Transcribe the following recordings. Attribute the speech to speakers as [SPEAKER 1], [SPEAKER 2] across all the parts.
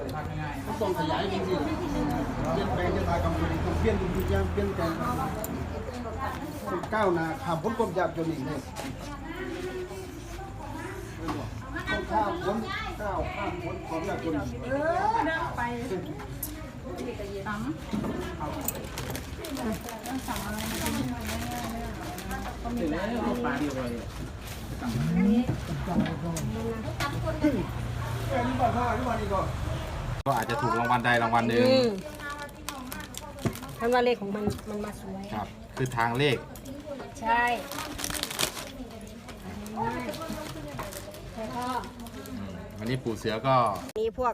[SPEAKER 1] ต้องขยายจริงๆเปลี่ยนแปลงจะตายกำลังต้องเปลี่ยนทุกอย่างเปลี่ยนแปลงก้าวหน้าข้ามพ้นความยากจนอีกเลยต้องข้ามพ้นก้าวข้ามพ้นความยากจน
[SPEAKER 2] เดินไปตำสั่งอะไรก็มีปลาเดียวเลย
[SPEAKER 3] ก็อาจจะถูกรางวัลใดรางวัลหนึ่ง
[SPEAKER 4] ท่านว่าเลขของมันมาสวย
[SPEAKER 3] ครับคือทางเลข
[SPEAKER 4] ใช่แล้วก็
[SPEAKER 3] วันนี้ปู่เสือก็
[SPEAKER 4] มีพวก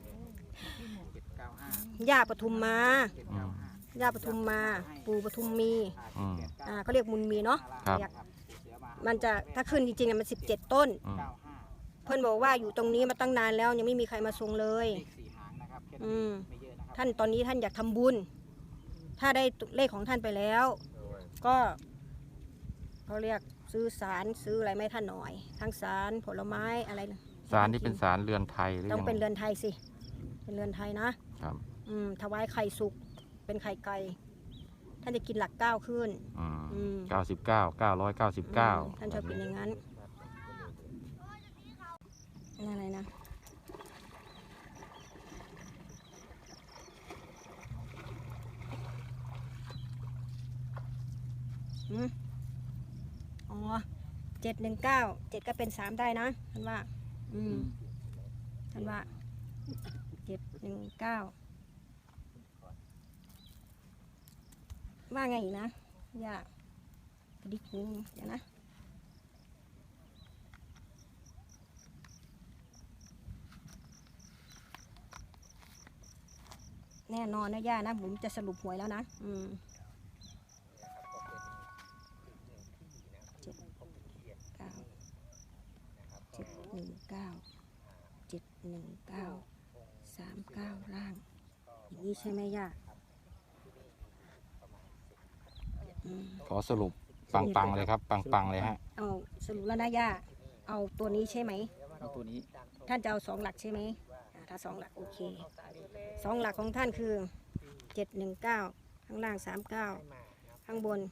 [SPEAKER 4] ย่าปทุมมาย่าปทุมมาปู่ปทุมมีเขาเรียกมุนมีเนาะมันจะถ้าขึ้นจริงๆมัน17 ต้นเพื่อนบอกว่าอยู่ตรงนี้มาตั้งนานแล้วยังไม่มีใครมาทรงเลยท่านตอนนี้ท่านอยากทำบุญถ้าได้เลขของท่านไปแล้วก็เขาเรียกซื้อสารซื้ออะไรไม่ท่านหน่อยทั้งสารผลไม้อะไร
[SPEAKER 3] สารนี่เป็นสารเรือนไทยหรือ
[SPEAKER 4] ต้องเป็นเรือนไทยสิเป็นเรือนไทยนะครับถวายไข่สุกเป็นไข่ไก่ท่านจะกินหลัก9ขึ้น
[SPEAKER 3] 99 999
[SPEAKER 4] ท่านชอบกินอย่างนั้นอะไรนะอ๋อ719 7ก็เป็น3ได้นะท่านว่าท่านว่า719ว่าไงอีกนะอย่าดิกนึงเดี๋ยวนะแน่นอนนะย่านะผมจะสรุปหวยแล้วนะ719 ล่างอย่างนี้ใช่ไหมย่า
[SPEAKER 3] ขอสรุปปังเลยครับปังเลยฮะ
[SPEAKER 4] เอาสรุปแล้วนะย่าเอาตัวนี้ใช่ไหม
[SPEAKER 2] เอาตัวนี้
[SPEAKER 4] ท่านจะเอา2 หลักใช่ไหมถ้า2 หลักโอเค2 หลักของท่านคือ719ข้างล่าง39ข้างบน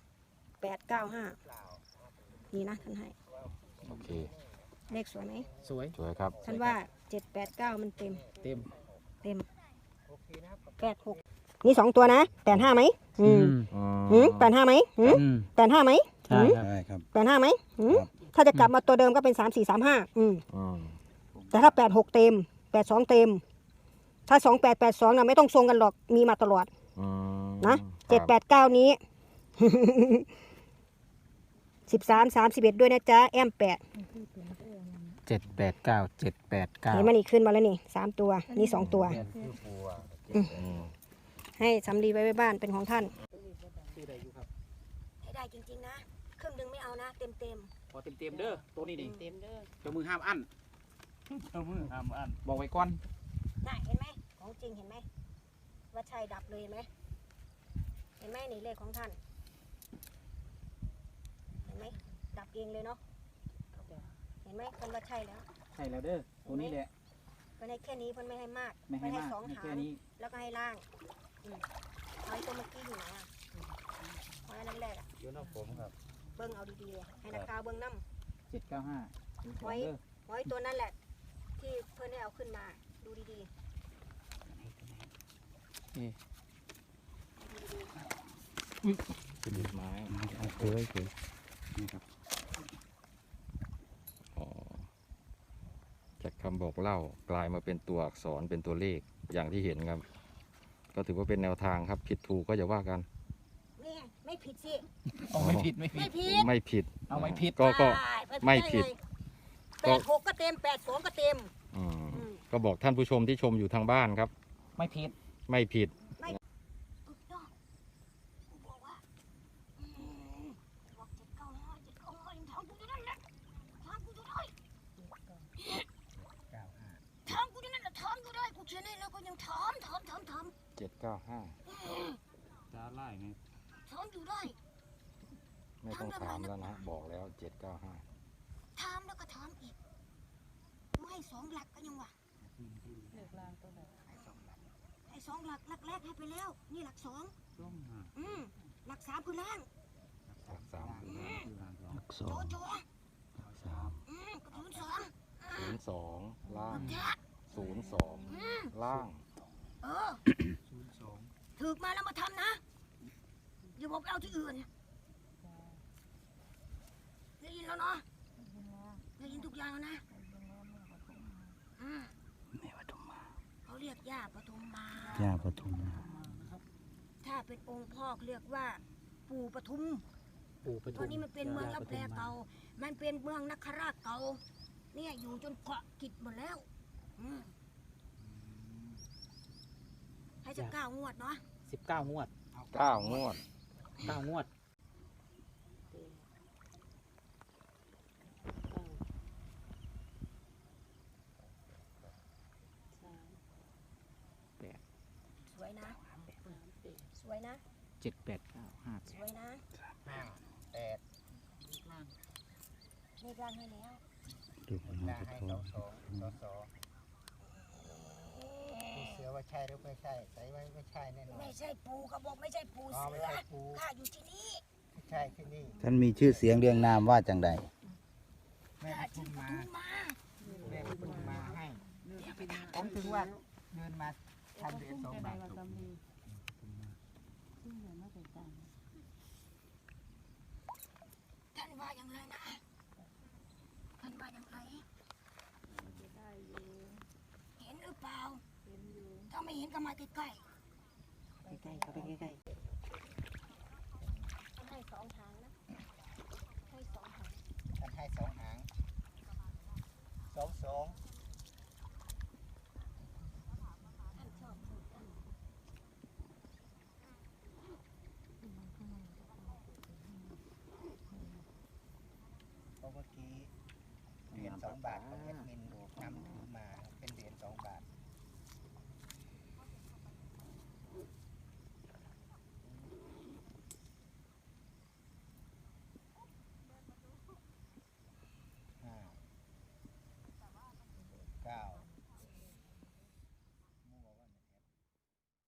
[SPEAKER 4] 895นี่นะท่านให้
[SPEAKER 3] โอเค
[SPEAKER 4] เลขสวยไหม
[SPEAKER 2] สวย
[SPEAKER 3] ครับ
[SPEAKER 4] ท่านว่า789มันเต็ม86นี่2 ตัวนะ85ไหม85ไหม85ไหม
[SPEAKER 1] ใช่ครับ
[SPEAKER 4] 85ไหมถ้าจะกลับมาตัวเดิมก็เป็น3435แต่ถ้า86เต็ม82เต็มถ้า2882น่ะไม่ต้องทรงกันหรอกมีมาตลอดนะ789นี้13 31ด้วยนะจ๊ะแอม8
[SPEAKER 2] 789 789
[SPEAKER 4] เห็นมันอีกขึ้นมาแล้วนี่3 ตัวนี่2 ตัวให้สำลีไว้บ้านเป็นของท่านให้ได้จริงๆนะครึ่งนึงไม่เอานะเต็ม
[SPEAKER 2] พอเต็มเด้อตัวนี้เต็มเด้อเจ้ามือห้ามอั้นบอกไว้ก่อน
[SPEAKER 4] น่ะเห็นไหมของจริงเห็นไหมว่าชัยดับเลยเห็นไหมนี่เลขของท่านเห็นไหมดับเองเลยเนาะเห็นไหมคนว่าใช่แล้ว
[SPEAKER 2] เด้อตัวนี้แหละ
[SPEAKER 4] เพิ่นให้แค่นี้เพิ่นไม่ให้มาก
[SPEAKER 2] ไม่ให้
[SPEAKER 4] 2 หางแล้วก็ให้ล่างเอาตัวเมื่อกี้อยู่ไหนเอาอันนั้นแรก
[SPEAKER 3] อยู่นอกผมครับ
[SPEAKER 4] เบิ้งเอาดีๆให้นักข่าวเบิ้งน้
[SPEAKER 2] ำ795
[SPEAKER 4] ไว้ตัวนั่นแหละที่เพิ่นให้เอาขึ้นมาดูดีๆ
[SPEAKER 3] เป็นไม้นี่ครับจากคำบอกเล่ากลายมาเป็นตัวอักษรเป็นตัวเลขอย่างที่เห็นครับก็ถือว่าเป็นแนวทางครับผิดถูกก็อย่าว่ากัน
[SPEAKER 4] ไม่ผิดสิ
[SPEAKER 2] ไม่ผิด
[SPEAKER 3] เอาไม่ผิด
[SPEAKER 2] ไม่ผิด
[SPEAKER 3] ก็ไม่ผิด
[SPEAKER 4] 86ก็เต็ม82ก็เต็ม
[SPEAKER 3] ก็บอกท่านผู้ชมที่ชมอยู่ทางบ้านครับ
[SPEAKER 2] ไม่ผิด
[SPEAKER 3] 795จ้าไล่ไง
[SPEAKER 4] ถามอยู่ได้
[SPEAKER 3] ไม่ต้องถามแล้วนะบอกแล้ว795
[SPEAKER 4] ถามแล้วก็ถามอีกไม่2 หลักก็ยังว่าเลขล่างตัวไหน 2หลักแรกให้ไปแล้ว นี่หลัก2
[SPEAKER 2] ช่วงหา
[SPEAKER 4] หลัก3คือล่าง
[SPEAKER 3] หลักสาม
[SPEAKER 2] หลักสอง
[SPEAKER 4] โจ
[SPEAKER 2] สาม
[SPEAKER 4] กับ02
[SPEAKER 3] 02ล่าง
[SPEAKER 4] จ้ะ
[SPEAKER 3] 02ล่าง
[SPEAKER 4] ถือมาแล้วมาทำนะอย่าบอกไปเอาที่อื่นได้ยินแล้วเนาะได้ยินทุกอย่างแล้วนะ
[SPEAKER 2] แม่ปทุมมา
[SPEAKER 4] เขาเรียกย่าปทุมมา
[SPEAKER 2] ย่าปทุมมา
[SPEAKER 4] ถ้าเป็นองค์พ่อเรียกว่าปู่ปทุม
[SPEAKER 2] ปู่ป
[SPEAKER 4] ต
[SPEAKER 2] ทุ
[SPEAKER 4] อน
[SPEAKER 2] ม
[SPEAKER 4] นี้มันเป็นเมืองรับแลเก่า มันเป็นเมืองนคราชเก่า เนี่ยอยู่จนเกาะกิจหมดแล้วให้จะ9 งวดเนาะ
[SPEAKER 2] 19 งวด
[SPEAKER 3] 9 งวด
[SPEAKER 2] 9 งวด
[SPEAKER 4] สวยนะ สวยนะ
[SPEAKER 2] 7 8 9 5
[SPEAKER 4] สวยนะ
[SPEAKER 1] 8
[SPEAKER 4] เลขร่างให้แล้ว
[SPEAKER 2] ดูนะ
[SPEAKER 1] ให้2 เสือว่าใช่หรือไม่ใช่ใส่ไว้ไม่ใช่แน่นอน
[SPEAKER 4] ไม่ใช่ปู่ก็บอกไม่ใช่ปู่
[SPEAKER 1] อ๋อ
[SPEAKER 4] เสื
[SPEAKER 1] ไม่
[SPEAKER 4] อ
[SPEAKER 1] ใช่ปู
[SPEAKER 4] ข้าอยู่ที่นี่
[SPEAKER 1] ไม่ใช่ที่นี่
[SPEAKER 5] ท่านมีชื่อเสียงเรียงนามว่าจังใด
[SPEAKER 1] แม่
[SPEAKER 4] ข้า
[SPEAKER 1] ปทุ
[SPEAKER 4] ชื่อ
[SPEAKER 1] ม
[SPEAKER 4] ป
[SPEAKER 1] มา
[SPEAKER 4] ทุมมา
[SPEAKER 1] แม่ปทุมมาให้ผมถึงว่าเดินมาทำเหรียญ2 บาท
[SPEAKER 4] ท่านว่าอย่างไรนะ ท่านว่าอย่างไรเห็นหรือเปล่า ถ้าไม่เห็นก็มาใกล้ๆ
[SPEAKER 2] ใกล้ๆเข้าไปใกล้
[SPEAKER 4] ให้2 ทางนะ ให้2 ทาง
[SPEAKER 1] ท่านให้2 หาง2
[SPEAKER 4] ท่านชอบพูดท่าน
[SPEAKER 1] เพราะเมื่อกี้เหรียญ2 บาทของแอดมิน